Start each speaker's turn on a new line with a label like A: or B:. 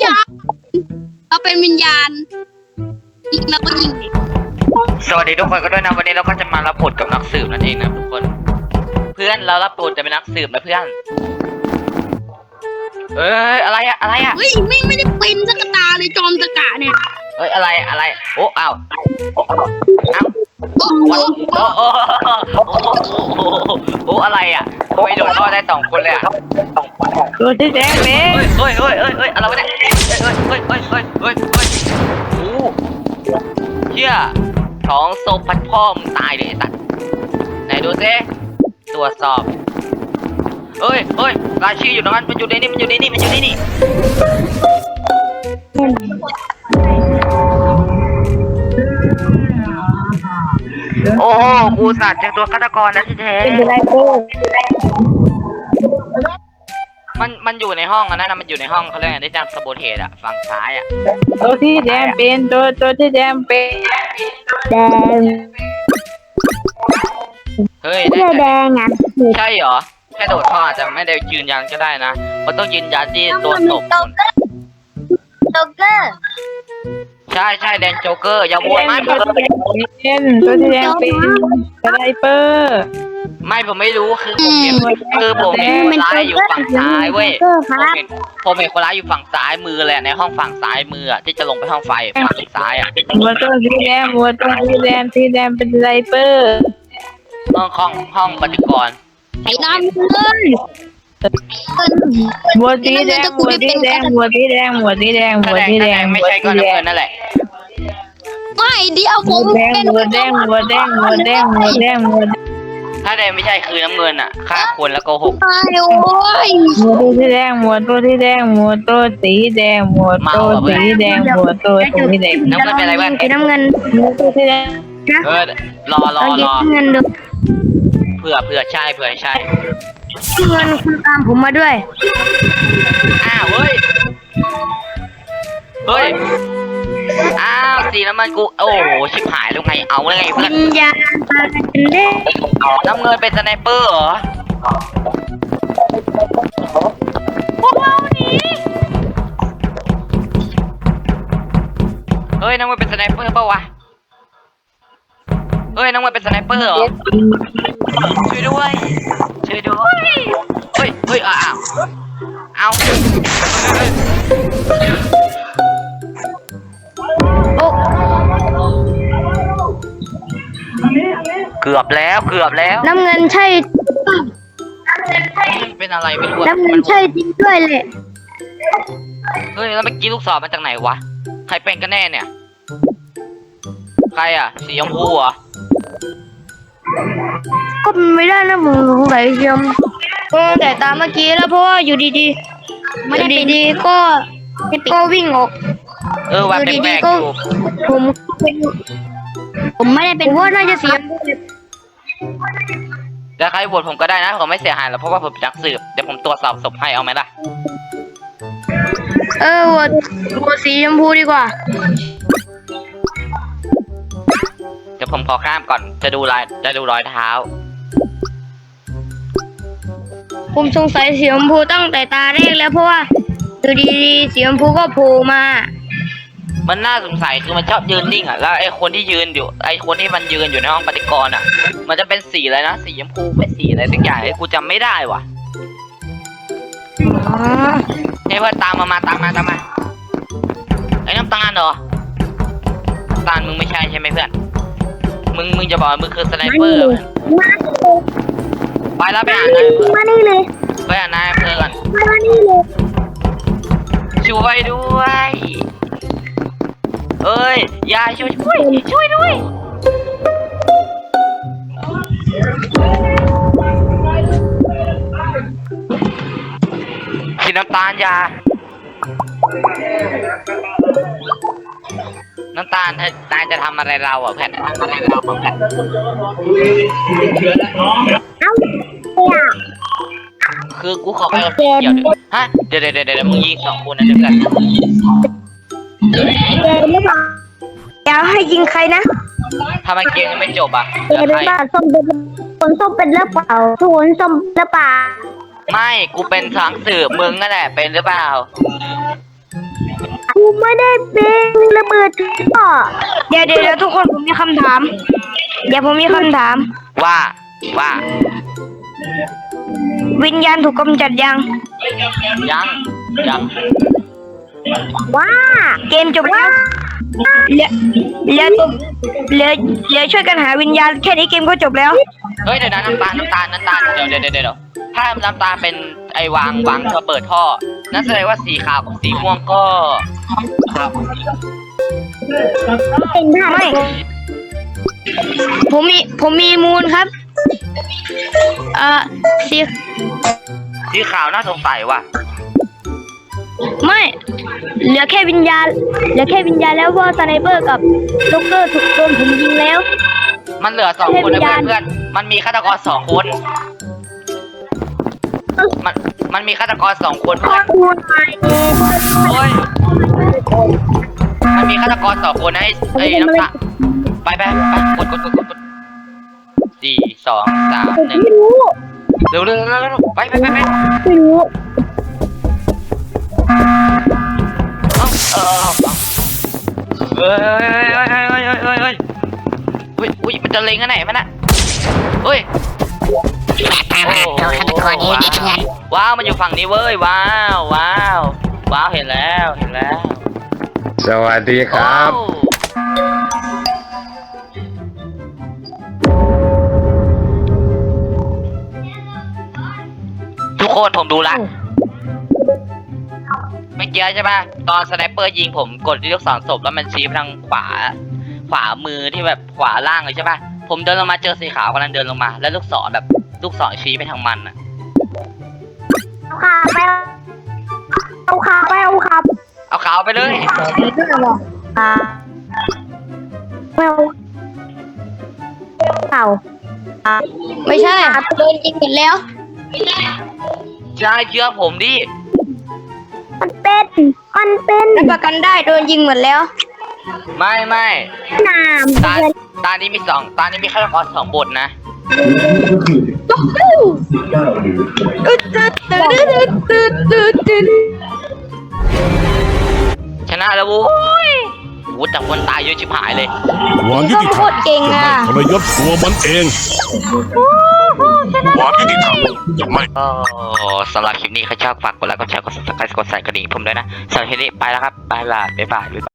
A: เราเป็นวิญญาณยิงแล้วก็ยิง
B: สวัสดีทุกคนก็ด้วยนะวันนี้เราก็จะมารับบทกับนักสืบนั่นเองนะทุกคนเพื่อนเรารับบทจะเป็นนักสืบนะเพื่อนอะไรอะ
A: เฮ้ยไม่ได้เป็นสักตาเลยจอมตะกะเนี่ย
B: อะไรโอ้อ้าว
A: โอ้
B: โอ้อะไรอ่ะทำไมโดนรอดได้2 คนเลยอ่ะ
C: ตัวที่แดงเละ
B: เฮ้ยอะไรวะเนี่ยเฮ้ยโอ้เชี่ยของโซพัดพ่อมึงตายเลยไอ้สัตว์ไหนดูซิตรวจสอบเฮ้ยรายชื่ออยู่ตรงนั้นมันอยู่ในนี่โอ้โหกูสัตว์เจอตัวฆาตกรแล้วที่แท้
C: เป็นไรโก้
B: มันอยู่ในห้องนะมันอยู่ในห้องเขาเรียกอะไรได้จากสโบเทสอะฝั่งซ้ายอะ
C: ตัวที่แดงเป็นตัวที่แดงเป็นแดง
B: เฮ้ย
C: แดงอ่ะ
B: ใช่เหรอแค่โดดท่ออาจจะไม่ได้ยืนยันก็ได้นะมันต้องยืนยันที่ตัวศพ
A: โจ๊กเกอร์
B: ใช่แดนโจ๊กเกอร์อย่าโวยมาก
C: ตัวที่แดงเป็นสไนเปอร์
B: ไม่ผมไม่รู้คือผมเห็นคนร้ายอยู่ฝั่งซ้ายเว้ยผมเห็นคนร้ายอยู่ฝั่งซ้ายมือแหละในห้องฝั่งซ้ายมือที่จะลงไปห้องไฟฝั่งซ้ายอ่ะ
C: ตัวที่แดงเป็นสไนเปอร์
B: ห้องปฏิกรณ์
A: ไอ้น้ำเลย
C: หัวสีแดง
B: ไม่ใช่ก็น้ำเงินนั่นแหละ
A: ไม่เดียวผมเป็น
C: หัวแดง
B: ถ้าแดงไม่ใช่คือน้ำเงินอ่ะฆ่าคนแล้วโกหก
A: ตายโอ้ย
C: ตัวที่แดงตัวสีแดงตัวสีแดง
B: น้ำเงินเป็นอะไรบ้าง
A: น้ำเงิน
C: ตัวที่แดง
B: รอ
A: เงินดู
B: เผื่อใช่
A: เงินคุณตามผมมาด้วย
B: อ้าวเฮ้ยอ้าวสีน้ำมันกูโอ้โหชิบหายแล้วไงเอาเลยเพื่อน
A: ยาเล่
B: น้ำเงินเป็นสไนเปอร์เหรอพวกเราหนีเฮ้ยน้ำเงินเป็นสไนเปอร์เปล่าวะเฮ้ยน้ำเงินเป็นสไนเปอร์เหรอช่วยด้วยเฮ้ยเอาเกือบแล้ว
A: น้ำเงินใช่
B: เป็นอะไรไม่รู้
A: น้ำเงินใช่จริงด้วยเลย
B: เฮ้ยแล้วเมื่อกี้ลูกศรมาจากไหนวะใครเป็นกันแน่เนี่ยใครอ่ะสีชมพูเหรอ
A: ก็ไม่ได้นะมึงรู้ไหมเชียมแต่ตามเมื่อกี้แล้วเพราะว่าอยู่ดีๆก็วิ่งออก
B: ว่าเป็นแปลกอยู่
A: ผมไม่ได้เป็นว่าน่าจะเสีย
B: แต่ใครโหวตผมก็ได้นะผมไม่เสียหายหรอกเพราะว่าผมเป็นนักสืบเดี๋ยวผมตรวจสอบศพให้เอาไหมล่ะ
A: โหวตสีชมพูดีกว่า
B: เดี๋ยวผมขอข้ามก่อนจะดูรอยเท้า
A: ผมสงสัยสีชมพูตั้งแต่ตาแรกแล้วเพราะว่าอยู่ดีๆสีชมพูก็โผล่มา
B: มันน่าสงสัยคือมันชอบยืนนิ่งอ่ะแล้วไอ้คนที่ยืนอยู่ในห้องปฏิกรณ์อ่ะมันจะเป็นสีอะไรนะสีชมพูเป็นสีอะไรสักอย่างไอ้กูจำไม่ได้ว่ะเฮ้ยเพื่อนตามมาไอ้น้ำตาลเหรอน้ำตาลมึงไม่ใช่ไหมเพื่อนมึงจะบอกมึงคือสไนเปอร์ไปแล้วไปอ่านนาย
A: มานี่เลย
B: ไปอ่านนายเพื่อน
A: มานี่เลย
B: ช่วยด้วยเอ้ยยายช่วยด้วยสีน้ำตาลยาน้ำตาลนายจะทำอะไรเราอ่ะแพทคือกูขอไปกับเกี่ยวฮะเดี๋ยวมึงยิง2 คนนะเดี๋ยวกัน
A: เดี๋ยวให้ยิงใครนะ
B: ทำไมเกมยังไม่จบอ่ะ
A: เป็นบ้าส้มเป็นหรือเปล่าทุกคนส้มหรือเปล่า
B: ไม่กูเป็นทางสืบมึงนั่นแหละเป็นหรือเปล่า
A: ไม่ได้เป็นระเบิดต่อเดี๋ยวทุกคนผมมีคำถาม เดี๋ยวผมมีคำถาม
B: ว่า
A: วิญญาณถูกกำจัดยัง
B: ยัง
A: ว้าเกมจบแล้วเหลือช่วยกันหาวิญญาณแค่นี้เกมก็จบแล้ว
B: เฮ้ยเดี๋ยวนะน้ำตาลเดี๋ยวถ้าน้ำตาลเป็นไอ้วางระเบิดท่อนั่นแสดงว่าสีขาวกับสีม่วงก็
A: ไม่ผมมีมูลครับสี
B: สีขาวน่าสงสัยว่ะ
A: ไม่เหลือแค่วิญญาณแล้วเพราะสไนเปอร์กับล็อกเกอร์ถูกโดนผมยิงแล้ว
B: มันเหลือ2 คนนะเพื่อนมันมีฆาตกร2 คนมันมีฆาตกร2 คนเพื่อนโอ้ยมันมีฆาตกร2 คนนะไอ้น้ำตาไปกด4 2 3 1เร็วไป
A: ไม่รู้
B: เฮ้ยมันจะเล็งอันไหนมันอะเฮ้ยว้าวมันอยู่ฝั่งนี้เว้ยว้าวเห็นแล้ว
D: สวัสดีครับ
B: ทุกคนผมดูละไม่เกี่ยวใช่ป่ะตอนสไนเปอร์ยิงผมกดที่ลูกศรศพแล้วมันชี้ไปทางขวามือที่แบบขวาล่างเลยใช่ป่ะผมเดินลงมาเจอสีขาวกำลังเดินลงมาแล้วลูกศรชี้ไปทางมันอะ
A: เอาขาไป
B: เอาขาวไปเลย
A: ไม่ใช่โดนยิงหมดแล้ว
B: ใช่เชื่อผมดิ
A: มันเป็นรับประกันได้โดนยิงหมดแล้ว
B: ไม่
A: น้
B: ตานี้มีฆาตกร2 บทนะชนะแล้ววุ้ยแต่คนตายเยอะชิบหายเลย
E: ความยุติธรรม
A: เก่งอ่ะ
E: ทรยศตัวมันเองความยุติธรรมจะไม่
B: ก็สำหรับคลิปนี้ใครชอบฝากกดไลค์กดแชร์กด subscribe กดใส่กระดิ่งผมด้วยนะสำหรับคลิปนี้ไปแล้วครับบ๊ายบาย